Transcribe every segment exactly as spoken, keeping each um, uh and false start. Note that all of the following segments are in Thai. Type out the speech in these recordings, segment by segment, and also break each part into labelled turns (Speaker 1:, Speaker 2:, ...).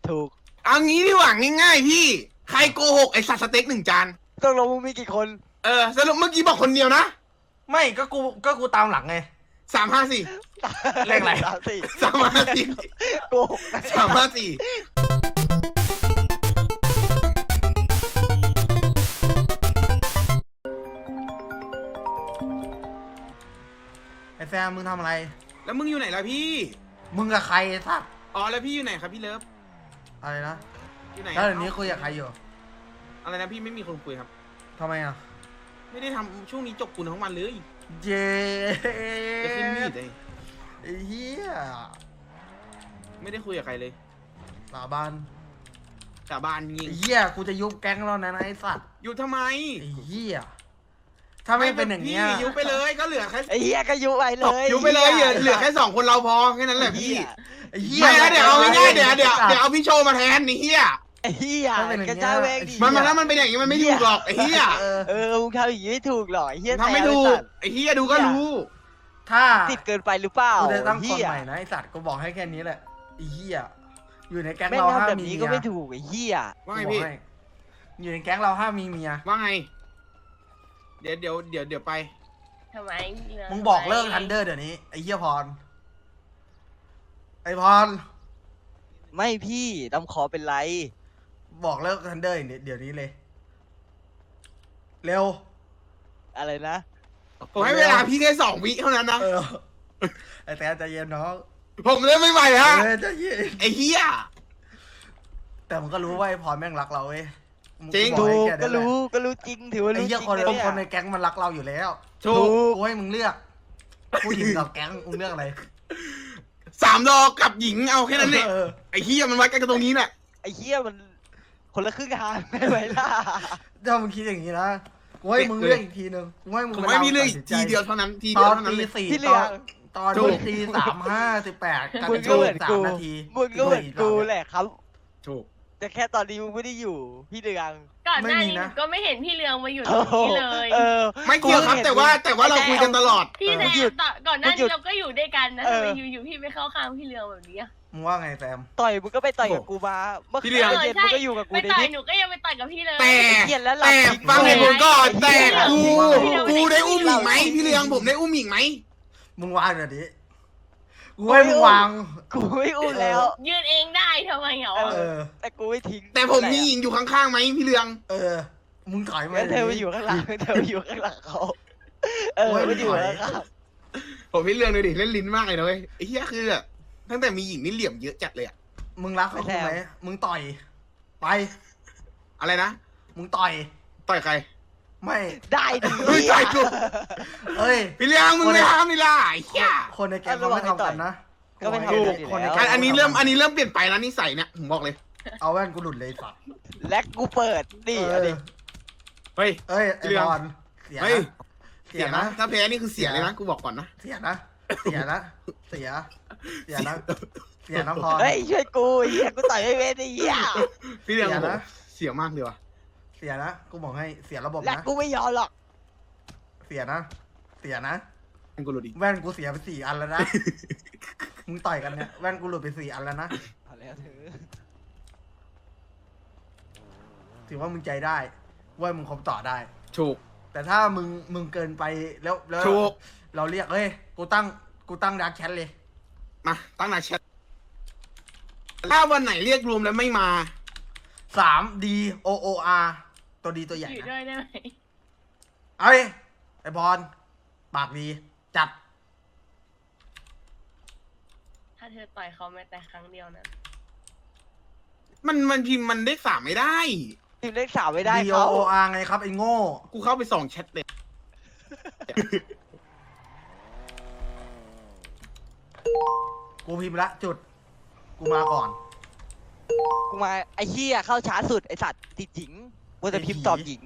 Speaker 1: ถูก
Speaker 2: เอางี้ดีกว่าง่ายๆพี่ใครโกหกไอสัตว์สเต็กหนึ่งจาน
Speaker 1: ต้องลงมึงมีกี่คน
Speaker 2: เออสรุปเมื่อกี้บอกคนเดียวนะ
Speaker 3: ไม่ก็กูก็กูตามหลังไง
Speaker 2: สามห้าสี่
Speaker 3: เลขอะไร
Speaker 1: สามสี่
Speaker 2: สามห้าสี่
Speaker 1: โกหกนะ
Speaker 2: สามห้าสี่
Speaker 3: ไอ้แซมมึงทำอะไร
Speaker 2: แล้วมึงอยู่ไหนล่ะพี่
Speaker 3: มึงกับใครไอ้สัตว์
Speaker 2: อ๋อแล้วพี่อยู่ไหนครับพี่เลิฟ
Speaker 3: อะไรนะ
Speaker 2: อยู่ไหน
Speaker 3: แล้วเดี๋ยวนี้คุยกับใครอยู่
Speaker 2: อะไรนะพี่ไม่มีคนคุยครับ
Speaker 3: ทำไมอ่ะ
Speaker 2: ไม่ได้ทำช่วงนี้จบกูทั้งวันเลย
Speaker 3: เย้
Speaker 2: จะขึ้นมีดเลย
Speaker 3: ไอ้เหี้ย
Speaker 2: ไม่ได้คุยกับใครเลย
Speaker 3: สาบาน
Speaker 2: สาบานยิง
Speaker 3: ไอ้เหี้ยกูจะยุบแก๊งแล้วนะไอ้สัตว์
Speaker 2: อยู่ทำไม
Speaker 3: ไอ้เหี้ยถ้าไม่เป็นอย่างเงี้ย
Speaker 2: พี่ยุบไปเลยก็เหลือแค่
Speaker 1: ไอ้เหี้ยก็ยุไปเลย
Speaker 2: ยุบไปเลยเหลือเหลือแค่สองคนเราพอแค่นั้นแหละพี่
Speaker 3: ไอ้เหี้ย
Speaker 2: ไม่แล้วเดี๋ยวเอาง่ายๆเดี๋ยวเดี๋ยวเดี๋ยวเอาพี่โชว์มาแทนนี่เฮีย
Speaker 1: ไอ้เหี้ย
Speaker 3: ถ้าเป็นอย่าง
Speaker 1: กระ
Speaker 3: เงี้ย
Speaker 1: จายแวงดิ
Speaker 2: มันมาแล้วมันเป็นอย่างนี้มันไม่ถูกหรอกไอ้เฮีย
Speaker 3: เออ
Speaker 1: เออมึงทำอย่างนี้ไม่ถูกหรอกไอ้เหี้ย
Speaker 2: ทำไม่ถูกไอ้เฮียดูก็รู้
Speaker 3: ถ้า
Speaker 1: ติดเกินไปหรือเปล่า
Speaker 3: กูจะตั้งคน
Speaker 1: เหี้ย
Speaker 3: ใหม่นะไอ้สัตว์กูบอกให้แค่นี้แหละไอ้เหี้ยอยู่ในแก๊ง
Speaker 1: แม่ง
Speaker 3: เราห้า
Speaker 1: ทำแบบ
Speaker 3: มี
Speaker 1: นี้
Speaker 3: เมี
Speaker 1: ก็
Speaker 3: ย
Speaker 1: ไม่ถูกไอ้เหี้ย
Speaker 2: ว่าไง
Speaker 3: กูบอ
Speaker 2: พี่
Speaker 3: กให้อยู่ในแก๊งเราห้ามมีเมีย
Speaker 2: ว่าไง เดี๋ยวเดี๋ยวเดี๋ยวเดี๋ยวไป
Speaker 4: ทำไมเรื
Speaker 3: มึงบอกเลิกทันเดอร์เดี๋ยวนี้ไอ้เหี้ยพรไอ้พร
Speaker 1: ไม่พี่ดำขอเป็นไร
Speaker 3: บอกเลิกทันเดอร์เดี๋ยวนี้เลย เร็ว
Speaker 1: อะไรนะ
Speaker 2: ผมให้เวลาพี่แค่สองวิเท่านั้นนะ
Speaker 3: เออไอ้แต่ใจเย็นน้อง
Speaker 2: ผมเล่นไม่ไหวฮะ
Speaker 3: เออใจเย็น
Speaker 2: ไอ้เฮีย
Speaker 3: แต่มึงก็รู้ว่าไอ้พรแม่งรักเราเว้ย
Speaker 2: จริง
Speaker 3: กูบอ
Speaker 1: ถู
Speaker 3: ให้
Speaker 1: ก
Speaker 3: แค่
Speaker 1: ก็
Speaker 3: นั้นแหละ
Speaker 1: รู้ก็รู้จริงถือว่า
Speaker 3: ไอ้
Speaker 1: รู้จ
Speaker 3: เหี้
Speaker 1: ริ
Speaker 3: ย
Speaker 1: ง
Speaker 3: คน
Speaker 1: นะ
Speaker 3: คน
Speaker 1: เนี่ย
Speaker 3: คนในแก๊งมันรักเราอยู่แล้ว
Speaker 2: ถูก
Speaker 3: กูให้มึงเลือกผู้หญิงกับแก๊งมึงเลือกอะไร
Speaker 2: สามดอกกับหญิงเอาแค่นั้นเนี่ย
Speaker 3: ออ
Speaker 2: ไอ้เฮียมันวัดกันตรงนี้แหละ
Speaker 1: ไอ้เหี้ยมันคนละครึ่งทางไม่ไหวล่ะ
Speaker 3: ถ้ามึงคิดอย่างนี้นะกูให้มึงเลือกอีกทีนึงกูให้มึง
Speaker 2: ผมไม่มีเรื่อง
Speaker 3: ตัดสินใจ
Speaker 2: ทีเดียวเท่านั้นที
Speaker 3: ต
Speaker 2: เดียว
Speaker 3: อน
Speaker 2: เท่านั้น
Speaker 3: ตี
Speaker 2: เลย
Speaker 3: สี่
Speaker 1: ที่
Speaker 3: ต
Speaker 1: เหลื
Speaker 3: อ
Speaker 1: อ
Speaker 3: นตอน
Speaker 2: ถูก
Speaker 3: ตีสามห้าสิบแปดกัน
Speaker 1: มึง
Speaker 3: โจ
Speaker 1: ก็เหมือน
Speaker 3: สาม
Speaker 1: กู
Speaker 3: นาที
Speaker 1: มึงก็เหมือนกูแหละครับ
Speaker 2: ถูก
Speaker 1: แต่แค่ตอนนี้มึงไม่ได้อยู่พี่เดือง
Speaker 4: ก่อนหน้านี้หนูก็ไม่เห็นพี่เรืองมาอยู่ตร
Speaker 1: โอ้
Speaker 4: ง
Speaker 1: โห
Speaker 4: นี้เลย
Speaker 1: เออ
Speaker 2: ไม่เกี่ยวครับแต่ว่าแต่ว่าเราคุยกันตลอด
Speaker 4: พี่แซ
Speaker 1: หยุ
Speaker 4: ม
Speaker 1: ด
Speaker 4: ต่อก่อนหน้า
Speaker 1: หยุ
Speaker 4: นี้
Speaker 1: ด
Speaker 4: เราก็อยู่ด้วยกันนะ
Speaker 1: เอ
Speaker 4: ทำ
Speaker 1: อ
Speaker 4: ไมอยู่ๆพี่ไปเข้าข้างพี่เรืองแบบนี้อะ
Speaker 3: มึงว่าไงแซม
Speaker 1: ต่อยมึงก็ไปต่อยกับกูมาเมื่อคืน
Speaker 2: พี่เดือง
Speaker 1: เย็นมึงก็อยู่กับกู
Speaker 4: ไป
Speaker 1: ใน
Speaker 4: ต่อย
Speaker 1: นี้
Speaker 4: หนูก็ยังไปต่อยกับพี่เลย
Speaker 2: แต่
Speaker 1: เกลียดแล้วหลับ
Speaker 2: แต่
Speaker 1: จริง
Speaker 2: ฟังเหตุผลก่อนแต่กู
Speaker 4: พี่เรือง
Speaker 2: กูได้อุ้มหญิงไหมพี่เรืองผมได้อุ้มหญิงไหม
Speaker 3: มึงวางเดี๋ยวนี้กูให้มึงวาง
Speaker 1: กูไม่อุ้มแล้ว
Speaker 4: ยืนเองได้ทำไมเหรอ
Speaker 1: เอ
Speaker 3: เออ
Speaker 1: แต่กูไม่ทิ้ง
Speaker 2: แต่ผมมีหญิงอยู่ข้างๆไหมพี่เรือง
Speaker 3: เออ มึงถอยมา
Speaker 1: แล้วเธอไปอ
Speaker 3: เดี๋ว
Speaker 1: ยู่
Speaker 3: นี้
Speaker 1: ข้างหลังเธอไปอยู่ข้างหลังเขาเออ
Speaker 3: โอ้ย
Speaker 1: ไม่อยู่
Speaker 3: ถอย
Speaker 1: แล้วครับ
Speaker 2: ผมพี่เรืองเลยดิเล่นลิ้นมากเลยนะเว้ยไอ้เหี้ยคือแบบตั้งแต่มีหญิงนี่เหลี่ยมเยอะจัดเลยอะ
Speaker 3: มึงรักเขาคู่ไหมมึงต่อย ไป
Speaker 2: อะไรนะ
Speaker 3: มึงต่อย
Speaker 2: ต่อยใคร
Speaker 3: ไม่
Speaker 1: ได้ดิ
Speaker 2: เฮ้ยต่อยกู
Speaker 3: เอ้ย
Speaker 2: พี่เรืองมึงไม่ทำนี่ล่ะไอ้เหี้ย
Speaker 3: คนในแก๊งเขาไม่ทำกันนะ
Speaker 1: ก็ไม่
Speaker 3: กู
Speaker 1: ทำ
Speaker 3: บ
Speaker 1: กั
Speaker 3: อน ก
Speaker 1: อยู่
Speaker 3: คนใน
Speaker 1: แล้ว
Speaker 3: แก๊ง
Speaker 2: อันนี้เริ่มอันนี้เริ่มเปลี่ยนไปแล้วนิสัยเนี่ยผมบอกเลย
Speaker 3: เอาแว่นกูหลุดเลยสัตว์
Speaker 1: และกูเปิดดิ
Speaker 3: เอ
Speaker 1: เอา
Speaker 3: อ
Speaker 1: ดิ
Speaker 2: เฮ้ย
Speaker 3: เอ้ยไอ้
Speaker 2: เรื่อง
Speaker 3: บอลเสีย
Speaker 2: เฮ้ย
Speaker 3: นะ
Speaker 2: เสียนะถ้าแพ้นี่คือเสียเลยนะกูบอกก่อนนะ
Speaker 3: เสียนะ เสียนะ เสีย เสียนะ เสียนะพร
Speaker 1: เฮ้ยช่วยกูไอ้เหี้ยกูต่อยไม่เว้นไอ้เหี้ย
Speaker 2: พี่เรือง
Speaker 3: เสียนะ
Speaker 2: เสียมากเลยว่ะ
Speaker 3: เสียนะ กูบอกให้เสียระบบ
Speaker 1: และ
Speaker 3: นะ
Speaker 1: กูไม่ยอมหรอก
Speaker 3: เสียนะ เสียนะ
Speaker 2: ให้กูรู้ดิ
Speaker 3: แว่นกูเสียไปสี่อันแล้วนะ มึงต่อยกันเนี่ย แว่นกูหลุดไปสี่อันแล้วนะ
Speaker 1: เอาแล้วเถอะ
Speaker 3: ถือว่ามึงใจได้ว่ามึงคบต่อได้
Speaker 2: ถูก
Speaker 3: แต่ถ้ามึงมึงเกินไปแล้วแล้ว
Speaker 2: ถูก
Speaker 3: เราเรียกเฮ้ย กูตั้ง กูตั้งดักแชทเลย
Speaker 2: มาตั้งหน้าแชทถ้าวันไหนเรียกรวมแล้วไม่มา
Speaker 3: สาม D O O R ตัวดีตัวใหญ่
Speaker 4: อยู่
Speaker 3: นะ
Speaker 4: ด้วยได้ไหม
Speaker 3: เอ้ย ไอ้บอลปากดี จัด
Speaker 4: ถ้าเธอต่อยเขาแม้แต่ครั้งเดียวนั้น
Speaker 2: มันมันพิมพ์มันเลขสามไม่ได้
Speaker 1: ทีมเลขสามไม่ได้
Speaker 3: D
Speaker 1: เขา
Speaker 3: O O R ไงครับ ไอ้โง่
Speaker 2: กูเข้าไปส่องแชทเลย
Speaker 3: กูพิมพ์ละจุด กูมาก่อน
Speaker 1: กูมาไอ้เหี้ยเข้าช้าสุดไอ้สัตว์ติดหญิงกูจะพิมพ์ตอบหญิง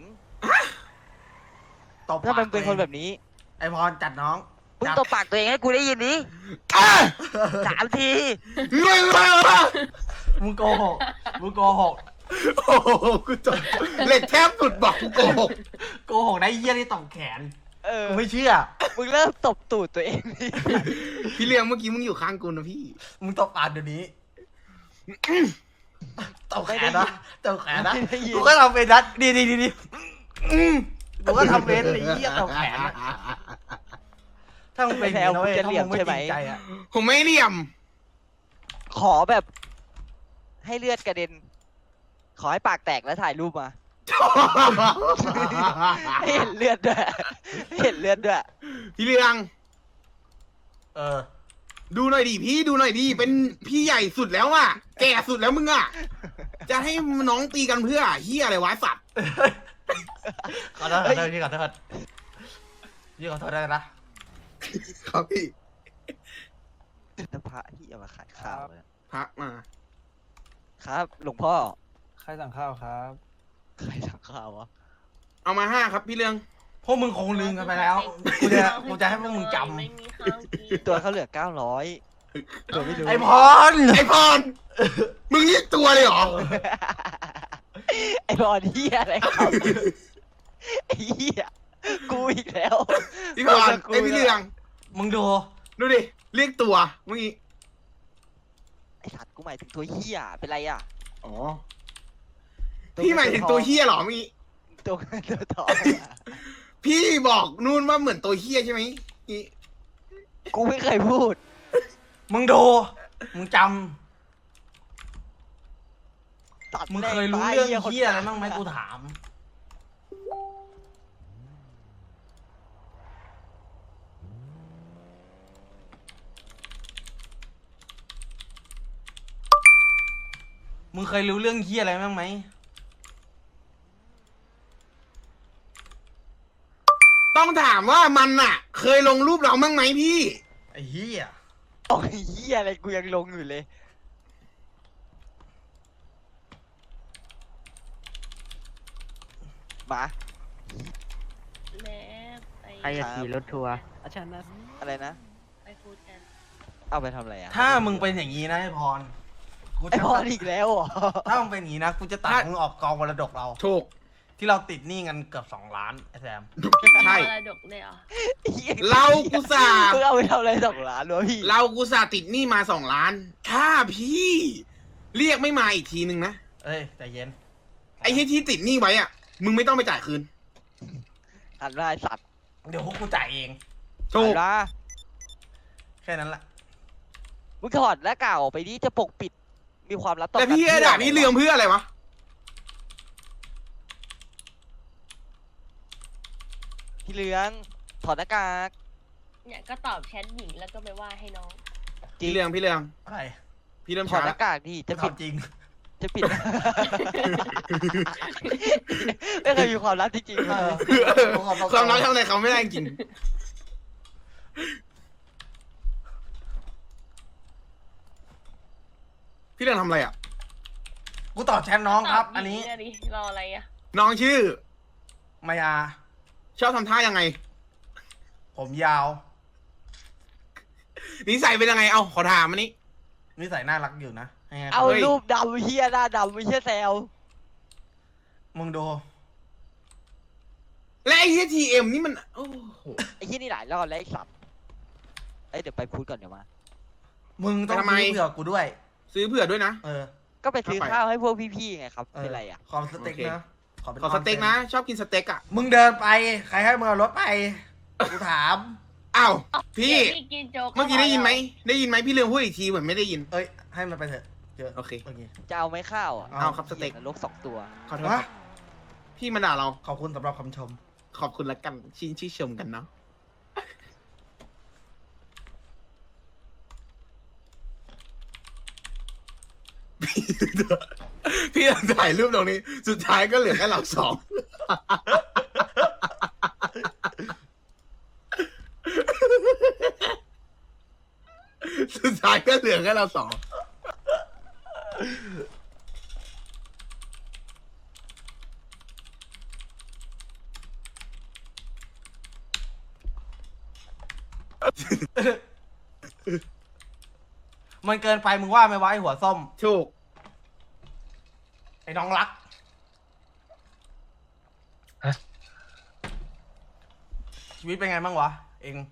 Speaker 3: ตบ
Speaker 1: ถ้ามันเป็น
Speaker 3: ปก
Speaker 1: คน
Speaker 3: ตัวอง
Speaker 1: แบบนี้
Speaker 3: ไอ้พรจัดน้อง
Speaker 1: มึง
Speaker 3: จัด
Speaker 1: ตบปากตัวเองให้กูได้ยินดิ
Speaker 2: อ่ะ
Speaker 1: สามที
Speaker 2: มึงมา
Speaker 3: มึงโกหก มึงโกหก
Speaker 2: โอ้โหกูจบเหล็กแทบสุดบอกกูโกหก
Speaker 3: โกหกได้เยี่ยนี่ตบแขน
Speaker 1: เออ
Speaker 3: กูไม่เชื่อ
Speaker 1: มึงเริ่มตบตูดตัวเองดิ
Speaker 2: พี่เลี้ยงเมื่อกี้มึงอยู่ข้างกูนะพี่
Speaker 3: มึงตบปากเดี๋ยวนี้ตบแขนนะตบแขนนะ
Speaker 1: ไม่ได้ยิน
Speaker 3: กูก็ทำเป็นนัดดีดีดีดีอืมกูก็ทำเป็นเลยเหี้ยตบแขนนะถ้ามึงเป็นอย่างนี้นะเว้ยถ้ามึงไม่จริงใจอะ
Speaker 2: ผมไม่เหลี่ยม
Speaker 1: ขอแบบ ให้เลือดกระเด็น ขอให้ปากแตกแล้วถ่ายรูปมาให้เห็นเลือดด้วยให้เห็นเลือดด้วย
Speaker 2: พี่เรือง
Speaker 3: เออ
Speaker 2: ดูหน่อยดิพี่ดูหน่อยดิเป็นพี่ใหญ่สุดแล้วอ่ะ แก่สุดแล้วมึงอ่ะ จะให้น้องตีกันเพื่อเฮียอะไรวะสัตว์
Speaker 3: ขอโทษขอโทษพี่ขอโทษพี่ขอโทษได้นะครับ
Speaker 2: พี่
Speaker 1: น้ำพระที่เอามาขายข้าวเนี่ย
Speaker 2: พระมา
Speaker 1: ครับ หลวงพ่อ
Speaker 5: ใครสั่งข้าวครับ
Speaker 1: ใครสั่งข้าววะ
Speaker 2: เอามาห้าครับพี่เรือง
Speaker 3: พวกมึงคงลืมกันไปแล้วกูจะกูจะให้พวกมึงจ
Speaker 4: ไม่มีข้าวกิน
Speaker 1: ตัวเขาเหลือเก้าร้อยตัวไม่รู้
Speaker 3: ำไอพร
Speaker 2: ไอพรมึงนี่ตัวเลยเหรอ
Speaker 1: ไอ้บอลเฮียอะไรครับไอ้เฮียกูอีกแล้ว
Speaker 2: พี่พรไอพี่เรือง
Speaker 3: มึงดู
Speaker 2: ดูดิเรียกตัวเมื่อกี้
Speaker 1: ไอ้สัตว์กูหมายถึงตัวเฮียเป็นไรอ่ะ
Speaker 2: อ๋อพี่หมายถึงตัวเฮียเหรอเมื่อกี้
Speaker 1: ตัวเงินตัวทองอะ
Speaker 2: พี่บอกนู่นว่าเหมือนตัวเฮียใช่ไหมนี่
Speaker 1: กูไม่เคยพูด
Speaker 3: มึงดูมึงจ
Speaker 1: ตัด
Speaker 3: ำมึง
Speaker 1: แม่
Speaker 3: เคยรู้
Speaker 1: ตา
Speaker 3: เรื่อง
Speaker 1: คน
Speaker 3: เฮียอะไรบ้างไหมกูถาม มึงเคยรู้เรื่องเฮียอะไรบ้างไหม
Speaker 2: ต้องถามว่ามันอ่ะ เคยลงรูปเราบ้างไหมพี่
Speaker 3: ไอ้เฮีย
Speaker 1: โอ้ยเฮียอะไรกูยังลงอยู่เลยมา
Speaker 4: แม่ไป
Speaker 6: ใครจะขี่รถทัวร์อาจารย์นะ
Speaker 1: อะไรนะ
Speaker 4: ไปพูดกัน
Speaker 1: เอาไปทำอะไรอ่ะ
Speaker 3: ถ้ามึงเป็นอย่างนี้นะไอ้พรกู
Speaker 1: ไอ้
Speaker 3: จะ
Speaker 1: บอลอีกแล้วเหรอ
Speaker 3: ถ้ามึงเป็นอย่างนี้นะกูจะตัดมึงออกกองมรดกเรา
Speaker 2: ถูก
Speaker 3: ที่เราติดหนี้กันเกือบสองล้านไอ้แซม
Speaker 2: ใช่
Speaker 4: มรดกเลยเหรอ
Speaker 1: เหี้ย
Speaker 2: เรากุศา
Speaker 1: มึงเอาไปทำอะไรสองล้านวะพี่
Speaker 2: เรากุศาติดหนี้มาสองล้าน ถ้าพี่ เรียกไม่มาอีกทีนึงนะ
Speaker 3: เอ้ยใจเย็น
Speaker 2: ไอ้ที่ที่ติดหนี้ไว้อ่ะ มึงไม่ต้องไปจ่ายคืน
Speaker 1: หันมาไอ้สัตว์
Speaker 3: เดี๋ยวพวกกูจ่ายเอง
Speaker 2: ถูก
Speaker 1: หันมา
Speaker 3: แค่นั้นแหละ
Speaker 1: มึงถอดแล้วกล่าวออกไปดิจะปกปิด มีความลับต่อ
Speaker 2: แต่
Speaker 1: กัน
Speaker 2: พี่ไอ้ด่าพี่เรืองเพื่ออะไรวะ
Speaker 1: พี่เรืองถอดหน้ากาก
Speaker 4: เนี่ยก็ตอบแชทหญิงแล้วก็ไปว่าให้น้อง
Speaker 1: จริ
Speaker 2: พี่
Speaker 1: ง
Speaker 2: เรืองพี่เรือง
Speaker 3: อะไร
Speaker 2: พี่เริ่ม
Speaker 1: ถอ
Speaker 2: ช้า
Speaker 1: ดห
Speaker 2: แล้ว
Speaker 1: น้ากากดิจะปิด
Speaker 3: ทำจริง
Speaker 1: จะปิด ไม่เคยมีความลับจริงๆ
Speaker 3: เอ
Speaker 1: เลย
Speaker 3: อ
Speaker 2: ความรักทำอะไรเขาไม่ได้จริง พี่เรืองทำอะไรอ่ะ
Speaker 3: กูตอบแชทน้องครับ
Speaker 4: ต
Speaker 3: อันนี้
Speaker 4: หญิงะดิรออะไรอ่ะ
Speaker 2: น้องชื่อ
Speaker 3: มายา
Speaker 2: ชอบทำท่ายังไง
Speaker 3: ผมยาว
Speaker 2: นิสัยเป็นยังไง เอาขอถามอันนี้
Speaker 3: นิสัยน่ารักอยู่นะให้ไง
Speaker 1: เอา
Speaker 2: เฮ้ย
Speaker 1: รูปดำเฮียหน้าดำไม่ใช่แซว
Speaker 3: มึงดู
Speaker 2: และไอ้ที่ทีเอ็มนี่มัน โอ้โห
Speaker 1: ไอ้ที่นี่หลายรอบแล้วไอ้สัตว์เอ้ยเดี๋ยวไปพูดก่อนเดี๋ยวมา
Speaker 3: มึงต้อง
Speaker 2: ทำไม
Speaker 3: ซื้อเผื่อกูด้วย
Speaker 2: ซื้อเผื่อด้วยนะ
Speaker 3: เออ
Speaker 1: ก็ไปซื้อ
Speaker 2: เข้าไป
Speaker 1: ข้าวให้พวกพี่ๆไงครับ
Speaker 3: เออ
Speaker 1: เป็นไรอ่ะ
Speaker 3: ขอสเต็ก
Speaker 2: โอเค
Speaker 3: นะเป็น
Speaker 2: ขอสเต็กนะ ชอบกินสเต็กอ่ะ
Speaker 3: มึงเดินไป ใครให้มึงเอารถไป กูถาม
Speaker 2: อ้าว พี่
Speaker 4: เดี๋ยวพี่กินโจ๊ก
Speaker 2: เมื่อกี้ได้ยินไหม ได้ยินไหมพี่เรืองพูดอีกทีเหมือนไม่ได้ยิน
Speaker 3: เอ้ย ให้มันไปเถอะเจอ
Speaker 2: โอเค
Speaker 3: โอเค
Speaker 1: จะเอาไหมข้าวอ่ะ
Speaker 2: เอาครับสเต็ก
Speaker 1: นรกสองตัว
Speaker 2: ขอโทษครับ พี่มาด่าเรา
Speaker 3: ขอบคุณสำหรับคำชม
Speaker 2: ขอบคุณละกันชื่นชื่นชมกันเนาะ พี่ถ่ายรูปตรงนี้ สุดท้ายก็เหลือแค่เราสอง สุดท้ายก็เหลือแค่เราสอง
Speaker 3: มันเกินไปมึงว่าไหมวะไอหัวส้ม
Speaker 2: ถูก
Speaker 3: ไอ้น้องรัก ชีวิตเป็นไงบ้างวะ เอง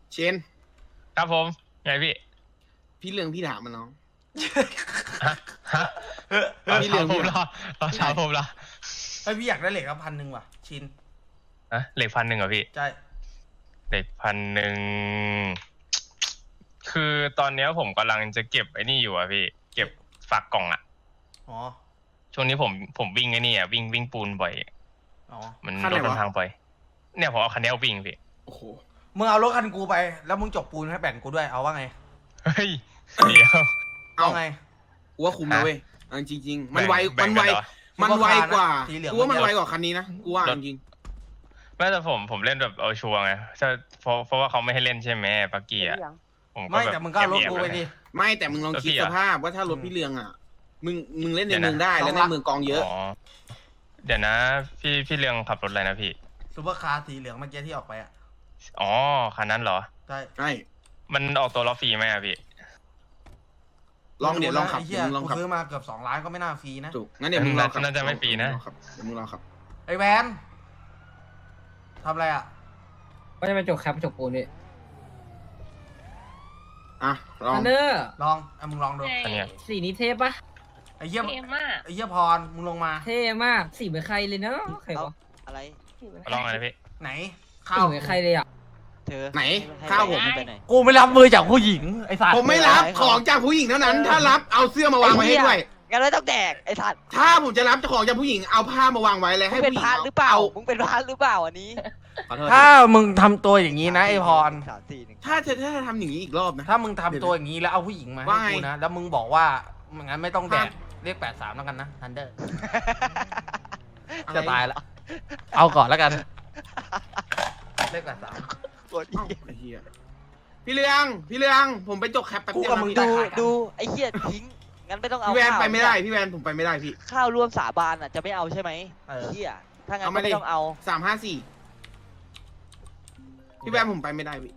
Speaker 2: เชน
Speaker 5: ครับผมไงพี่
Speaker 2: พี่เรื่องพี่ถามมันน้อง
Speaker 5: ฮะฮะเรา
Speaker 2: พี่เลี้
Speaker 5: เช้าย
Speaker 2: ง
Speaker 5: ผมเหรอเราเช้าผมเหรอ
Speaker 3: ไอยพี่อยากได้เหล็กครับพันหนึ่งว่ะชิน
Speaker 5: ฮะเหล็กพันหนึ่งเหรอพี่
Speaker 3: ใช่
Speaker 5: เหล็กพันหนึ่งคือตอนเนี้ยผมกำลังจะเก็บไอ้นี่อยู่อะพี่ เก็บฝากกล่องอะ
Speaker 3: อ๋อ
Speaker 5: ช่วงนี้ผมผมวิ่งไอ้นี่อะวิ่งวิ่งปูนบ่อย
Speaker 3: อ๋อ
Speaker 5: มัน
Speaker 2: คันไห
Speaker 5: ร
Speaker 2: น
Speaker 5: ถ
Speaker 2: วะ
Speaker 5: มันพังบ่อยเนี่ยผมเอาคันนี้เอาวิ่งพี่
Speaker 2: โอ้โห
Speaker 3: มึงเอารถคันกูไปแล้วมึงจกปูนให้แบ่งกูด้วยเอาว่าไง
Speaker 5: เฮ้ยเดี๋ยว
Speaker 2: เอา
Speaker 3: เอาไง
Speaker 2: กูว่าคุ้มนะเว้ยเอาจริงๆมันไว
Speaker 5: แบ่
Speaker 2: มัน
Speaker 5: ง
Speaker 2: ไว
Speaker 5: กันเหรอ
Speaker 2: มันไวกว่า
Speaker 3: สีเหลือง
Speaker 2: กูว่ามันไวกว่าคันนี้นะกูว่าจริง
Speaker 5: ไม่แต่ผมผมเล่นแบบเอาชัวร์ไงถ้าเพราะเพราะว่าเขาไม่ให้เล่นใช่ไหมปักกี้อะผมก็
Speaker 3: ไม่
Speaker 5: แบบ
Speaker 3: แต่มึงก็เอารถกูไปดิ
Speaker 2: ๆไม่แต่มึงลองคิด
Speaker 5: แล้วพี่
Speaker 2: ส
Speaker 5: อะ
Speaker 2: ภาพว่าถ้ารถพี่เรืองอ่ะมึงมึงเล่นใน
Speaker 5: เดี๋ยวนะ
Speaker 2: เมืองได้แล้วในเมืองกองเยอะ
Speaker 5: อ๋อเดี๋ยวนะ พี่พี่เรืองขับรถอะไรนะพี่
Speaker 3: ซูเปอร์คาร์สีเหลืองเมื่อกี้ที่ออกไปอ่ะ
Speaker 5: อ๋อคันนั้นเหรอ
Speaker 3: ใช่
Speaker 2: ใช่
Speaker 5: มันออกตัวล้อฟรีไหมอะพี่
Speaker 2: ลองเดี๋ยวลองขับ
Speaker 3: ไอ้
Speaker 2: เดี๋
Speaker 3: เหี้
Speaker 2: ย
Speaker 3: ยว
Speaker 2: มึงลอง
Speaker 3: กู
Speaker 2: ขับ
Speaker 3: ซื้อมาเกือบสองล้านก็ไม่น่าฟรีนะ
Speaker 2: ถูกงั้นเดี๋ยวมึงลองขับ
Speaker 5: น่าจะไม่ฟรีนะ
Speaker 2: เดี๋ยวมึงลองขับ
Speaker 3: ไอ้แวนทำอะไรอ่ะ
Speaker 6: ก็จะไปจกแคปจกปูนนี่
Speaker 2: อ่ะลอง
Speaker 6: อันเดอร์
Speaker 3: ลองอ่ะมึงลองดู
Speaker 4: ใช่
Speaker 5: อันเนี้ย
Speaker 6: สีนี้เทปปะ
Speaker 3: ไอ้เหี้ย
Speaker 4: เท่มาก
Speaker 3: ไอ้เหี้ยพรมึงลงมา
Speaker 6: เท่มากสีเหมือนใครเลยเนาะใคร
Speaker 1: เอา
Speaker 6: วะ
Speaker 1: อะไร
Speaker 5: ลองอะไรนะพี่
Speaker 3: ไหน
Speaker 6: สี
Speaker 3: ข้าว
Speaker 6: เหมือนใครเลยอ่ะ
Speaker 1: เธอ
Speaker 2: ไหน
Speaker 1: ให้
Speaker 2: ข้าวผม
Speaker 1: ไปไหน
Speaker 3: กูไม่รับมือจากผู้หญิงไอ้สัตว์
Speaker 2: ผมไม่รับของจากผู้หญิงเท่านั้น ถ้ารับเอาเสื้อมาวางไว้ให้ด้วย
Speaker 1: งั้นไม่ต้องแดกไอ้สัตว์
Speaker 2: ถ้าผมจะรับของจากผู้หญิงเอาผ้ามาวางไว้เลย
Speaker 1: มึ
Speaker 2: ให้
Speaker 1: งเป็น
Speaker 2: ผู้หญิง
Speaker 1: พาร์ทหรือเปล่ามึงเป็นพาร์ทหรือเปล่าอันนี้
Speaker 2: ขอโทษ
Speaker 3: ถ้ามึงทำตัวอย่างนี้นะไอ้พร
Speaker 1: สามสี่หนึ่ง
Speaker 2: ถ้าจะถ้าจะทำอย่างนี้อีกรอบนะ
Speaker 3: ถ้ามึงทำตัวอย่างนี้แล้วเอาผู้หญิงมาให้
Speaker 2: ว่าไง
Speaker 3: กูนะ แล้วมึงบอกว่ามึงงั้นไม่ต้องแดก
Speaker 2: ครับ
Speaker 3: เรียกแปดสามแล้วกันนะทันเดอร์
Speaker 2: อไร
Speaker 3: จะตายละเอาก่อนแล้วกันเรียกแปดสาม
Speaker 1: กด
Speaker 2: เอ้าไอ้เหี้ยพี่เรืองพี่เรืองผมไปจกแคปแป๊บ
Speaker 3: กู
Speaker 2: เดียว
Speaker 3: กับ
Speaker 2: นะ
Speaker 3: มึง
Speaker 2: พี่
Speaker 3: ได้
Speaker 1: ดู
Speaker 3: ขายกัน
Speaker 1: ดูไอ้เหี้ยทิ้งงั้นไม่ต้องเอา
Speaker 2: พี่แวน
Speaker 1: ข้าว
Speaker 2: ไปไม่ได้พี่แวนผมไปไม่ได้พี่
Speaker 1: ข้าวร่วมสาบานอ่ะจะไม่เอาใช่ไหม
Speaker 3: เออ
Speaker 1: เหี้ยถ้างั้น
Speaker 2: เอา
Speaker 1: ก็
Speaker 2: มาดิ
Speaker 1: ไม่ต้องเอา
Speaker 2: สามห้าสี่พี่แวนผมไปไม่ได้พี่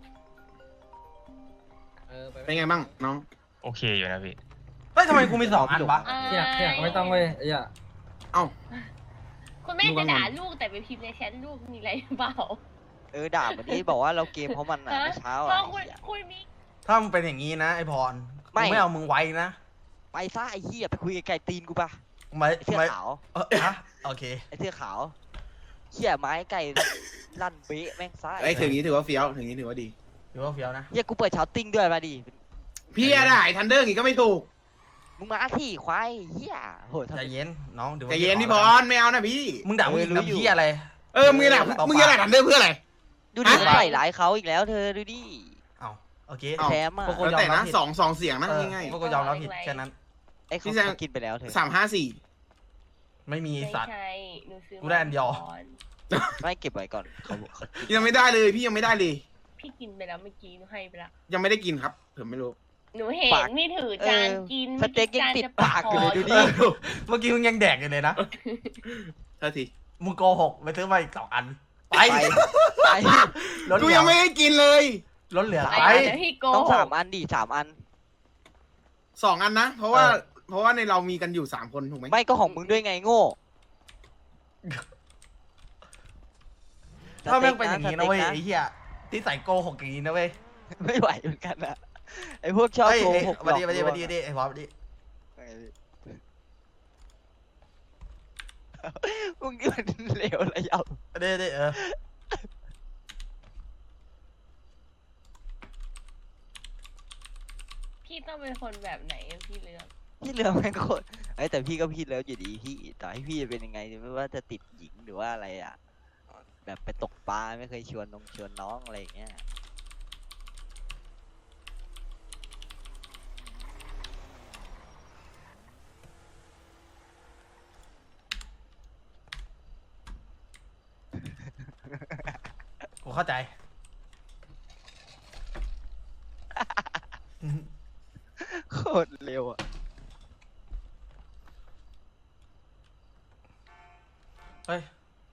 Speaker 6: เออไป
Speaker 2: เป็นไงบ้างน้อง
Speaker 5: โอเคอยู่นะพี่
Speaker 3: เฮ้ยทำไมกูมีสองอันวะ
Speaker 6: เที่ยเที่ยไม่ต้องเว้ยไอ้เหี้ย
Speaker 2: เอ้า
Speaker 4: คุณแม่จะด่าลูกแต่ไปพิมพ์ในแชทลูกมีอะไรหรือเปล่า
Speaker 1: เออด่าวันนี้บอกว่าเราเกมเพราะมันอ่ะ
Speaker 4: ฮะ
Speaker 1: เมื่อเช้า
Speaker 4: พ่อ
Speaker 1: อ่ะ
Speaker 4: คุณ
Speaker 1: ไอ้เหี้ย
Speaker 4: คุณมี
Speaker 3: ถ้ามึงเป็นอย่างนี้นะไอ้พร
Speaker 1: ไม่
Speaker 3: กูไม่เอามึงไว้นะ
Speaker 1: ไปซะไอ้เหี้ยไปคุยกับไก่ตีนกูปะ
Speaker 3: ไม่
Speaker 1: ไอ้เสื้อ
Speaker 3: ไม่
Speaker 1: ขาว
Speaker 3: เออฮะโอเค
Speaker 1: ไอ้เสื้อขาวเหี้ยไม้ไก่ลั่นเบ๊ะแม่งซะ
Speaker 2: ไอ้ยถึงนี้ถือว่าเฟี้ยวถึงนี้ถือว่าดี
Speaker 3: หรือว่าเฟี้ยวนะ
Speaker 1: เหี้ยกูเปิดเช้าติ้งด้วยมาดิ
Speaker 2: พี่อะได้ทันเดอร์งี้ก็ไม่ถูก
Speaker 1: มึงมาที่ควายเหี้ยโหทำ
Speaker 3: ใจ
Speaker 1: ไม
Speaker 3: เย็นน้องเดี๋ยว
Speaker 2: ใจเย็นพี่พรไม่เอานะพี่
Speaker 3: มึงด่าผู้หญิง
Speaker 1: เออรู้
Speaker 3: ทำ
Speaker 1: อยู่
Speaker 3: เหี้ยอะไร
Speaker 2: เออมึงจะด่ามึงจะด่าทันเดอร์เพื่ออะไร
Speaker 1: ดูดิ
Speaker 2: ฮะ
Speaker 1: ใส่ร้ายเขาอีกแล้วเธอดูดิ
Speaker 3: เอาโอเค
Speaker 2: เอ้า
Speaker 1: แซมอ่ะ
Speaker 3: พวกกู
Speaker 2: แล้วแต่
Speaker 3: ยอมรั
Speaker 2: นะ
Speaker 3: บผิด
Speaker 2: สองสองเสียงนะ
Speaker 3: เออ
Speaker 2: ง่าย
Speaker 3: พวกกูยอมรับผิดแค่นั้น
Speaker 1: ไอ้เขา
Speaker 2: พี่แซม
Speaker 1: กินไปแล้วเธอ
Speaker 2: ๆสามห้าสี่
Speaker 3: ไม่มี
Speaker 4: ไม่
Speaker 3: สัตว์
Speaker 4: ใช่หนูซื้อ
Speaker 3: กูได้อันเดียว
Speaker 4: มาก่อน
Speaker 1: ไม่เก็บไว้ก่อนเขาบอกเขา
Speaker 2: ยังไม่ได้เลยพี่ยังไม่ได้เลย
Speaker 4: พี่กินไปแล้วเมื่อกี้หนูให้ไปแล้ว
Speaker 2: ยังไม่ได้กินครับผมไม่รู้
Speaker 4: หนูเห็นนี่ถือจานกิน
Speaker 1: สเต็กยังติดปากอยู่เลยดู
Speaker 3: เอ
Speaker 1: ดิ
Speaker 3: อเมื่อกี้มึงยังแดกอยู่เลยนะ
Speaker 2: เท่าที
Speaker 3: มึงโกหกไปซื้อมาอีกสองอัน ไป
Speaker 1: ไปไป
Speaker 3: ลด
Speaker 2: กู
Speaker 3: เหลือ
Speaker 2: ยังไม่ได้กินเลย
Speaker 3: ลดเหลือ
Speaker 4: ไป
Speaker 3: ไป
Speaker 4: เดี๋ยวพี่โก
Speaker 1: ต้อง
Speaker 4: ห
Speaker 1: สาม
Speaker 4: ก
Speaker 1: อันดิสามอัน
Speaker 2: สองอันนะ เพราะว่า
Speaker 3: เออ
Speaker 2: เพราะว่าในเรามีกันอยู่สามคนถูกไหม
Speaker 1: ไม่ก็ของมึงด้วยไงโง่
Speaker 3: ถ้าแม่งเป็นอย่างนี้นะเว้ย
Speaker 1: ส
Speaker 3: ไอ้เหี้ยที่ใส่โกหกอย่างนี้นะเว้ย
Speaker 1: ไม่ไหวเหมือนกันอะไอ้พวกชอบ
Speaker 3: เฮ้ย
Speaker 1: โก
Speaker 3: เฮ้ย
Speaker 1: หก
Speaker 3: มาดิ
Speaker 1: หลอก
Speaker 3: มาดิ
Speaker 1: ลวง
Speaker 3: มาดิมาดิไอ้พอมาดิ
Speaker 1: มึงนี่มันเลวระย
Speaker 3: มาดิมาดิเออ
Speaker 4: พี่ต้องเป็นคนแบบไหนอะพี่เลือก
Speaker 1: ำพี่เหลือแม่งโคตรไอ้ยแต่พี่ก็พี่แล้วอยู่ดีพี่ต่อให้พี่จะเป็นยังไงไม่ว่าจะติดหญิงหรือว่าอะไรอ่ะ แบบไปตกปลาไม่เคยชวนน้องชวนน้องอะไรอย่างเงี้ย
Speaker 3: กูเข้าใจ
Speaker 1: โคตรเร็วอ่ะ
Speaker 3: เฮ้ย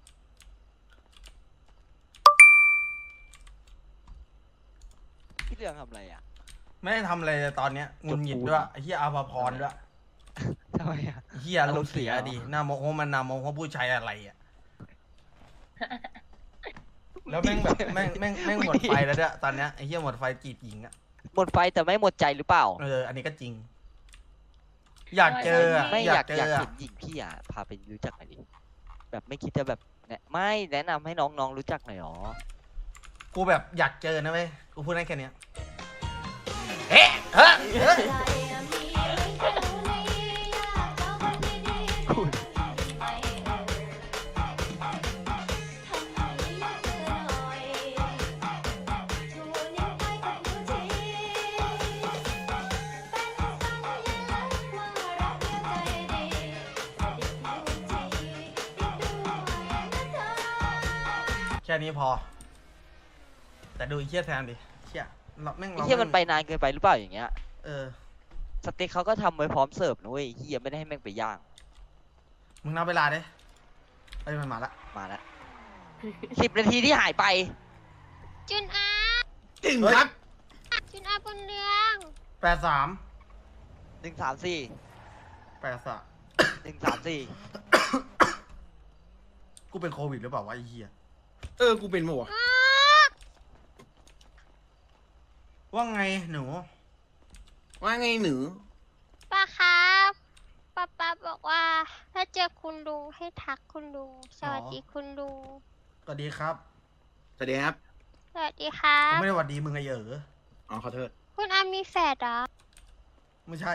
Speaker 1: พี่เหลืองทำอะไรอ่ะ
Speaker 3: ไม่ได้ทำอะไรเลยตอนเนี้ยงุนหงิดด้วยไอ้เหี้ยอาภาพรด้วย
Speaker 1: ทำไมอ่ะ
Speaker 3: ไอ้เหี้ยอารมณ์เสีย
Speaker 1: อารมณ์เสีย
Speaker 3: ดิหน้าโมโหมันหน้าโมโหผู้ชายอะไรอ่ะ
Speaker 1: ม
Speaker 3: แล้วแม่งแบบแม่งแม่งแม่งหมดไฟแล้วเนี่ยตอนเนี้ยไอ้เหี้ยหมดไฟจีบหญิงอ่ะ
Speaker 1: หมดไฟแต่ไม่หมดใจหรือเปล่า
Speaker 3: เอออันนี้ก็จริง อยากเจออะ
Speaker 1: ไม่อยาก
Speaker 3: เจ
Speaker 1: อยาก
Speaker 3: ออะ
Speaker 1: เห็นหญิงพี่อ่ะพาไปรู้จักหน่อยดิแบบไม่คิดจะแบบแนะไม่แนะนำให้น้องๆรู้จักหน่อยหรอ
Speaker 3: กูแบบอยากเจอนะเว้ยกูพูดได้แค่เนี้ยเฮ้เฮ้เฮ้แค่นี้พอ แต่ดูไอ้เชี่ยแทนดิเชี่ยเราแม่ง
Speaker 1: ไอ้
Speaker 3: เรา
Speaker 1: เหี้ยมันไป
Speaker 3: แง
Speaker 1: นานเกินไปหรือเปล่าอย่างเงี้ย
Speaker 3: เออ
Speaker 1: สเต็กเขาก็ทำไว้พร้อมเสิร์ฟนะเว้ยเหี้ยไม่ได้ให้แม่งไปย่าง
Speaker 3: มึงนับเวลาดิไอ้ยมันมาละ
Speaker 1: มาแล้วสิบนาทีที่หายไป
Speaker 4: จุนอา
Speaker 2: ถึงครับ
Speaker 4: จุนอาบนเรือง
Speaker 3: แปดสาม
Speaker 1: หนึ่งสามสี่
Speaker 3: แปดสาม
Speaker 1: หนึ่งสามสี่
Speaker 3: กูเป็นโควิดหรือเปล่าวะไอ้เหี้ย
Speaker 2: เออกูเป็นหมว
Speaker 3: ว่าไงหนู
Speaker 2: ว่าไงหนู
Speaker 4: ป้าครับป้าป้าบอกว่า ถ้าเจอคุณลุงให้ทักคุณลุงสวัสดีคุณลุง
Speaker 3: สวัสดีครับ
Speaker 2: สวัสดีครับ
Speaker 4: สวัสดีครั
Speaker 3: ผม
Speaker 4: บ
Speaker 3: ไม่ได้หวัดดีมึงไงเหรอ
Speaker 2: อ๋อขอโทษ
Speaker 4: คุณอามีแฝดเหรอ
Speaker 3: ไม่ใช่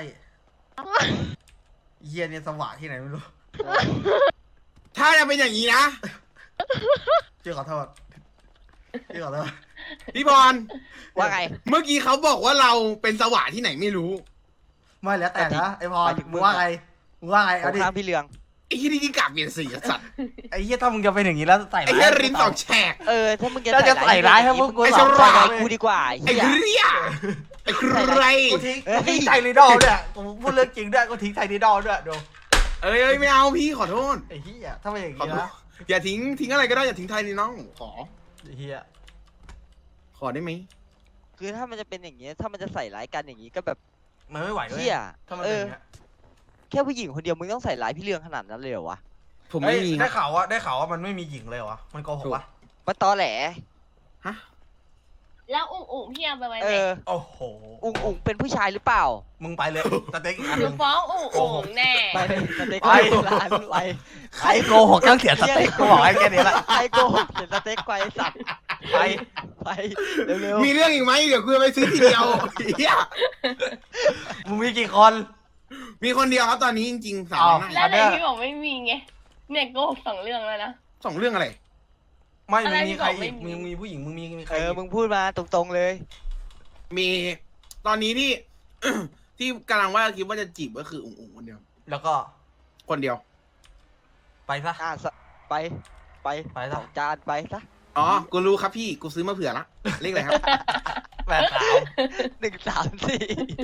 Speaker 3: เหี้ยเนี่ยสว่างที่ไหนไม่รู้
Speaker 2: ถ้าจะเป็นอย่างนี้นะ
Speaker 3: เจ๊ขอโทษเจ๊ขอโทษ
Speaker 2: พี่บอล
Speaker 1: ว่าไง
Speaker 2: เมื่อกี้เขาบอกว่าเราเป็นสวะที่ไหนไม่รู้
Speaker 3: ไม่แล้วแต่นะไอ้พ
Speaker 1: ห
Speaker 3: ร
Speaker 1: มายถึงมึ
Speaker 3: มึ
Speaker 1: ง
Speaker 3: งว่าไงมึงว่าไง
Speaker 1: ขอ
Speaker 3: เอา
Speaker 1: ง
Speaker 3: ดิ
Speaker 1: ข้างพี่เรือง
Speaker 2: ไอ้ที่นี่ที่กลับเปลี่ยนสีอะสัตว์
Speaker 3: ไอ้เหี้ยถ้ามึงจะเป็นอย่างนี้แล้วใส่
Speaker 2: ไอ้
Speaker 3: ร้าย
Speaker 2: เหี้ยรินสองแฉก
Speaker 1: เออถ้ามึงจะ
Speaker 3: ถ้าจะใส่ร้ายให้พวกกู
Speaker 2: ไอ้
Speaker 3: สอง
Speaker 2: ฉ
Speaker 3: ค
Speaker 2: ลาด
Speaker 3: น
Speaker 1: กูดีกว่า
Speaker 2: ไอ้
Speaker 1: เหี้ย
Speaker 2: เรียไอ้ใคร
Speaker 3: กูทิ้งกูทิ้งไทยรีดอลด้วยกูพูดเรื่องจริงด้วยกูทิ้งไทยรีดอลด้วยดู
Speaker 2: เอ้ยเอ้ยไม่เอาพี่ขอโทษ
Speaker 3: ไอ้เหี้ยถ้าไม่อย่าง
Speaker 2: ขอ
Speaker 3: นี้
Speaker 2: โทษ
Speaker 3: นะ
Speaker 2: อย่าทิ้งทิ้งอะไรก็ได้อย่าทิ้งไทยนี่น้องขอ
Speaker 3: ไอ้เหี้ย
Speaker 2: ขอได้ไหม
Speaker 1: คือถ้ามันจะเป็นอย่างเงี้ยถ้ามันจะใส่ร้ายกันอย่างงี้ก็แบบ
Speaker 3: มันไม่ไหวเลย
Speaker 1: เหี้ย
Speaker 3: ถ้ามัน
Speaker 1: เอ
Speaker 3: เป็นอ
Speaker 1: อย่าง
Speaker 3: เงี้ย
Speaker 1: แค่ผู้หญิงคนเดียวมึงต้องใส่ร้ายพี่เรืองขนาดนั้นเลยเหรอวะ
Speaker 2: ผม
Speaker 3: เฮ้ย
Speaker 2: ไม่มี
Speaker 3: ได้
Speaker 2: นะ
Speaker 3: ข่าวว่าได้ข่าวว่ามันไม่มีหญิงเลยเหรอมันโกหกวะ
Speaker 1: มันตอแหล
Speaker 2: ฮะ
Speaker 4: แล้วอุ๋งอุ๋งพี่เอาไปไว้
Speaker 1: เอ
Speaker 4: ไหน
Speaker 1: อ
Speaker 3: โอ้โห
Speaker 1: อุ๋งอุ๋งเป็นผู้ชายหรือเปล่า
Speaker 3: มึงไปเลยสเต็กอีกอัน
Speaker 4: ห
Speaker 3: ห
Speaker 4: นู
Speaker 3: นึ่ง
Speaker 4: ฟ้องอุ๋งอุ๋งแน่
Speaker 1: ไปเลยสเต็ก
Speaker 3: ไป
Speaker 1: ร้านไป
Speaker 3: ใครโกหกต้องเสียสเต็กกูบอกให้แค่นี้ละ
Speaker 1: ไอ้โกหกเห็นสเต็กไปสัตว์
Speaker 3: ไป
Speaker 1: ไปเร็ว
Speaker 2: มีเรื่องอีกไหมเดี๋ยวกูจะไปซื้อทีเดียวเหี้ย
Speaker 3: มึงมีกี่คน
Speaker 2: มีคนเดียวครับตอนนี้จริงๆสาม
Speaker 3: อ้าว
Speaker 2: วัน
Speaker 4: แล้
Speaker 2: ได้
Speaker 4: วไหนพี่บอกไม่มีไงเนี่ยโกหกสองเรื่องแล้วนะ
Speaker 2: สองเรื่องอะไร
Speaker 3: ไม่
Speaker 4: อะ
Speaker 3: มึ
Speaker 4: ไรง
Speaker 3: มี
Speaker 4: ที่
Speaker 3: ใคร
Speaker 4: บอกไม่
Speaker 3: อีก
Speaker 4: มี
Speaker 3: มึงมีผู้หญิงมึงมีมี
Speaker 1: ๆ
Speaker 3: ใคร
Speaker 1: เออ
Speaker 3: อีก
Speaker 1: มึงพูดมาตรงๆเลย
Speaker 2: มีตอนนี้ที่ ที่กำลังว่าคิดว่าจะจีบก็คืออุ๋งอุ๋งคนเดียว
Speaker 3: แล้วก็
Speaker 2: คนเดียว
Speaker 3: ไปซะ
Speaker 1: อ่ะสะไปไป
Speaker 3: ไป
Speaker 1: ส
Speaker 3: ซะ
Speaker 1: องจานไปซะ
Speaker 2: อ๋อ กูรู้ครับพี่ กูซื้อมาเผื่อละเลขอะไรครับ
Speaker 3: แปดสาม
Speaker 1: หนึ่งสามสี่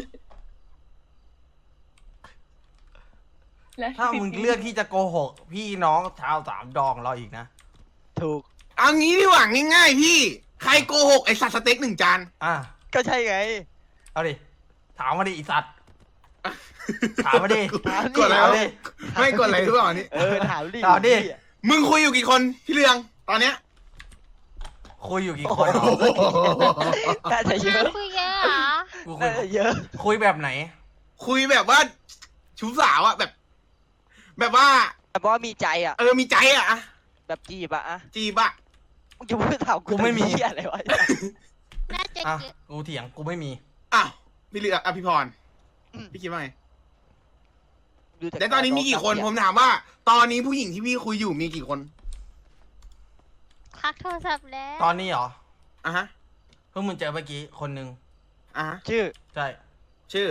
Speaker 4: แล้ว
Speaker 3: ถ้ามึงเลือกที่จะโกหก พี่น้องชาวสามดองเราอีกนะ
Speaker 1: ถูก
Speaker 2: เอางี้ดีกว่าง่ายๆพี่ ใครโกหกไอสัตว์สเต็กหนึ่งจาน
Speaker 3: อ่ะ
Speaker 1: ก็ใช่ไง
Speaker 3: เอาดิถามมาดิอีสัตว์ ถามมาดิ
Speaker 1: ถามดิ
Speaker 2: กดแล้ว
Speaker 3: ถามดิ
Speaker 2: ไม่กดอะไรหรือเปล่าอันนี้
Speaker 1: เออถามดิ
Speaker 3: ถามดิ
Speaker 2: มึงคุยอยู่กี่คนพี่เรือง ตอนเนี้ย
Speaker 3: คุยอยู่กี่
Speaker 1: โอ้
Speaker 3: ค
Speaker 1: โห
Speaker 3: น
Speaker 1: น่าจะเยอะ
Speaker 4: คุยเยอะเหรอ
Speaker 3: กูคุ
Speaker 1: น่าย จะเยอะ
Speaker 3: คุยแบบไหน
Speaker 2: คุยแบบว่า ชู้สาวอะแบบ แบบว่า
Speaker 1: แต่ว่ามีใจอ่ะ
Speaker 2: เออมีใจอะอะ
Speaker 1: แบบจีบอะอะ
Speaker 2: จีบอะ
Speaker 1: มึงจะพูดถาม
Speaker 3: กูไม่มี
Speaker 1: เหี้ยอะไรวะ
Speaker 4: น่าจะ
Speaker 3: อ่ะ
Speaker 4: เยอะ
Speaker 3: กูเถียงกูไม่มี
Speaker 2: อ้าวพี่เรืองอ่ะพี่พรพี่คิดว่าไง
Speaker 1: ดูจาก
Speaker 2: แต่ตอนนี้มีกี่คน ผมถามว่า ตอนนี้ผู้หญิงที่พี่คุยอยู่มีกี่คน
Speaker 4: พักโทรศัพท์แล้ว
Speaker 3: ตอนนี้เหรอ
Speaker 2: อ่ะฮะ
Speaker 3: เพิ่งมึงเจอเมื่อกี้คนหนึ่ง
Speaker 2: อ่ะฮะ
Speaker 1: ชื่อ
Speaker 3: ใช่
Speaker 2: ชื่อ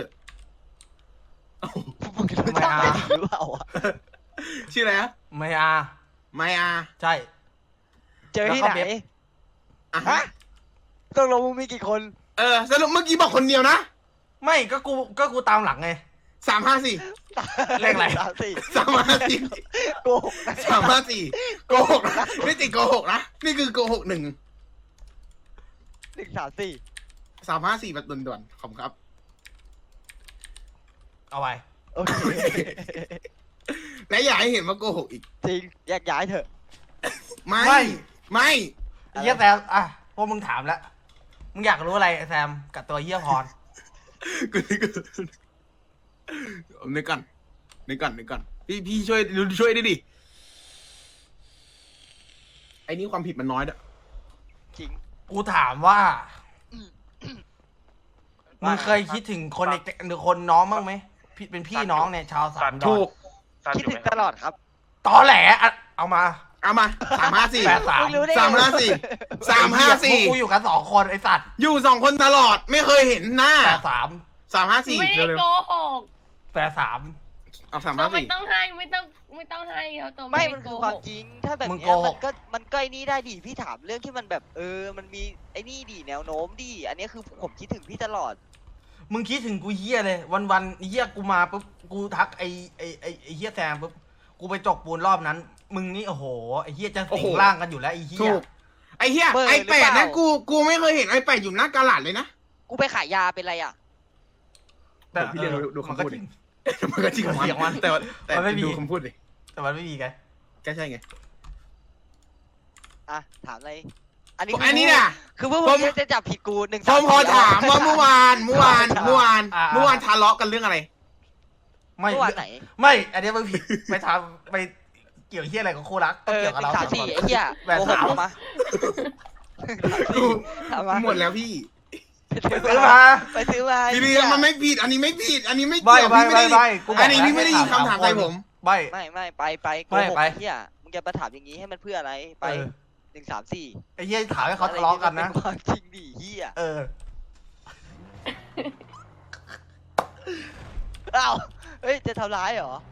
Speaker 1: มึงรู้จัก
Speaker 3: ไม่เอา
Speaker 1: หรือเปล่าอะ
Speaker 2: ชื่ออะไรฮะ
Speaker 3: ไม่อา
Speaker 2: ไมอา
Speaker 3: ใช่
Speaker 1: เจอที่
Speaker 3: แล้ว
Speaker 1: ไห
Speaker 3: ก็
Speaker 1: น
Speaker 3: เบ็บ
Speaker 2: อ่ะ
Speaker 1: ฮะ
Speaker 2: ฮะ
Speaker 1: ตกลงมึงมีกี่คน
Speaker 2: เออสรุปเมื่อกี้บอกคนเดียวนะ
Speaker 3: ไม่ก็กูก็กูตามหลังไง
Speaker 2: สามห้าสี่
Speaker 3: เลขอะไร
Speaker 1: สามสี่
Speaker 2: สามห้าสี่
Speaker 1: โกหกนะ
Speaker 2: สามห้าสี่โกหกนะไม่ติดโกหกนะ นี่คือโกหกหนึ่ง
Speaker 1: หนึ่งสามสี่
Speaker 2: สามห้าสี่แบบด่วนๆขอบคุณครับ
Speaker 3: เอาไว้
Speaker 1: โอเค
Speaker 2: และอย่าให้เห็นว่าโกหกอีก
Speaker 1: จริงแยกย้ายเถอะ
Speaker 2: ไม่
Speaker 3: ไม่
Speaker 2: ไม่
Speaker 3: ไอ้เหี้ยแซมอ่ะพวกมึงถามแล้วมึงอยากรู้อะไรไอ้แซมกับตัวเหี้ยพร
Speaker 2: กูนึกก่อนนึกก่อนนึกก่อนนึกก่อนพี่พี่ช่วยช่วยได้ดิไอ้นี่ความผิดมันน้อยด้วย
Speaker 1: จริง
Speaker 3: กูถามว่ามึงเคยคิดถึงคนเด็กหรือคนน้องบ้างไหมพี่เป็นพี่น้องเนี่ยชาวสามดอ
Speaker 2: ถู
Speaker 3: น
Speaker 2: ก
Speaker 1: คิดถึงตลอดครับ
Speaker 3: ตอแหลอ่ะเอามา
Speaker 2: เอามาสามห้าสี่
Speaker 3: แปดสาม
Speaker 1: มึงรู้ได้ไง
Speaker 2: สามห้าสี่สามห้าสี่
Speaker 3: พวกกูอยู่กันสองคนไอ้สัตว์
Speaker 2: อยู่สองคนตลอดไม่เคยเห็นหน้า
Speaker 3: แปดสาม
Speaker 2: สามห้าสี่
Speaker 7: ไม่ได้
Speaker 2: เร็ว
Speaker 7: โกหก
Speaker 3: แปดสาม
Speaker 2: ๆเอาสาม
Speaker 7: เรา
Speaker 2: ห้า
Speaker 7: ไม่
Speaker 2: สี่
Speaker 7: ต้องให้ไม่ต้องไม่ต้องให้เขาตัว
Speaker 1: ไม่
Speaker 7: ไม่
Speaker 1: มัน
Speaker 7: โก
Speaker 1: คือ
Speaker 7: ห
Speaker 1: ความ
Speaker 7: ก
Speaker 1: จริง ถ้าแบบ
Speaker 3: มึง
Speaker 1: เนี้ย
Speaker 3: โกห
Speaker 1: มั
Speaker 3: ก
Speaker 1: นก็มันก็ไอ้นี่ได้ดิพี่ถามเรื่องที่มันแบบ เออ มันมีไอ้นี่ดิแนวโน้มดิอันนี้คือผมคิดถึงพี่ตลอด
Speaker 3: มึงคิดถึงกูเหี้ยเลย วันวันๆเหี้ยกูมาปุ๊บกูทักไอ้ไอ้ไอ้ไอ้เหี้ยแซมปุ๊บกูไปจกปูนรอบนั้น มึงนี่โอ้โหไอ้เหี้ยจะสิงร่างกันอยู่แล้วไอ้เหี้
Speaker 2: ถู
Speaker 3: ย
Speaker 2: กไอ้เหี้ย
Speaker 1: เบอร์
Speaker 2: ไอ้แปด
Speaker 1: หรือเป
Speaker 2: นะ
Speaker 1: ล่า
Speaker 2: กูกูไม่เคยเห็นไอ้แปดอยู่หน้ากาลาดเลยนะ
Speaker 1: กูไปขายยาเป็นไรอ่ะ
Speaker 3: แต่
Speaker 2: พี่เรียน
Speaker 3: ออ
Speaker 2: ดูคำ
Speaker 3: มันก็
Speaker 2: พูด
Speaker 3: จ
Speaker 2: ดิ
Speaker 3: ริง
Speaker 2: มันก็จริงของ
Speaker 3: เสียงมั
Speaker 2: มัน นแต่ว่าแต่
Speaker 3: มันไม่มี
Speaker 2: ดูคำพูดดิ
Speaker 3: แต่มันไม่มีไง
Speaker 2: ก็ใช่ไง
Speaker 1: อ่ะ ถามอะไร อันนี้
Speaker 2: อันนี้น่ะ
Speaker 1: คือพวก
Speaker 2: ผ
Speaker 1: มึ
Speaker 2: ม
Speaker 1: งจะจับผิดกูหนึ่ง
Speaker 2: ผ
Speaker 1: สาม
Speaker 2: มพอ
Speaker 1: สี่
Speaker 2: ถามว่าเมื่อวานเมื่อวานเมื่อวาน
Speaker 3: อ่า
Speaker 2: เมื่อวานทะเลาะกันเรื่องอะไร
Speaker 3: ไม่
Speaker 1: เมื่อวานไหน
Speaker 3: ไม่ อันนี้มึงผิดไปทำไปเกี่ยวเหี้ยอะไรกับคู่รัก
Speaker 1: เออ
Speaker 3: เกี่ยว
Speaker 1: ห
Speaker 3: กับ
Speaker 1: นึ่
Speaker 3: เรา
Speaker 1: งสามสี่ไอ้เหี้ย
Speaker 3: แปด
Speaker 1: โกห
Speaker 3: สาก ม
Speaker 1: ออกมาถามมา
Speaker 2: หมดแล้วพี่
Speaker 3: ไปซื้อมา
Speaker 1: ไปซื้อมา
Speaker 2: พี่
Speaker 1: ไอ้
Speaker 2: เรี
Speaker 1: เหี้
Speaker 2: ย
Speaker 1: ย
Speaker 2: มันไม่ผิด อันนี้ไม่ผิด อันนี้ไม่
Speaker 3: ใบ
Speaker 2: เกี่ยว
Speaker 3: ใบ
Speaker 2: พี่
Speaker 3: ใบ
Speaker 2: ไม่
Speaker 3: ใบ
Speaker 2: ได้
Speaker 3: กูบ
Speaker 2: อั
Speaker 3: อน ก
Speaker 2: นี้พี่ไม่ได้ยินคำถามใส่ผม
Speaker 3: ใบ
Speaker 1: ไม่ไม่ไปไปโก
Speaker 3: ไม่
Speaker 1: หก
Speaker 3: ไป
Speaker 1: ไอ้เหี้ยมึงจะมาถามอย่างนี้ให้มันเพื่ออะไร ไป
Speaker 3: เออ
Speaker 1: หนึ่งสามสี่
Speaker 3: ไอ้เหี้ยถามให้เขาทะเลาะกันนะ
Speaker 1: เป็ความจริงดิเหี้ย
Speaker 3: เออ
Speaker 1: อ้าวเฮ้ย จะทำร้ายเหรอ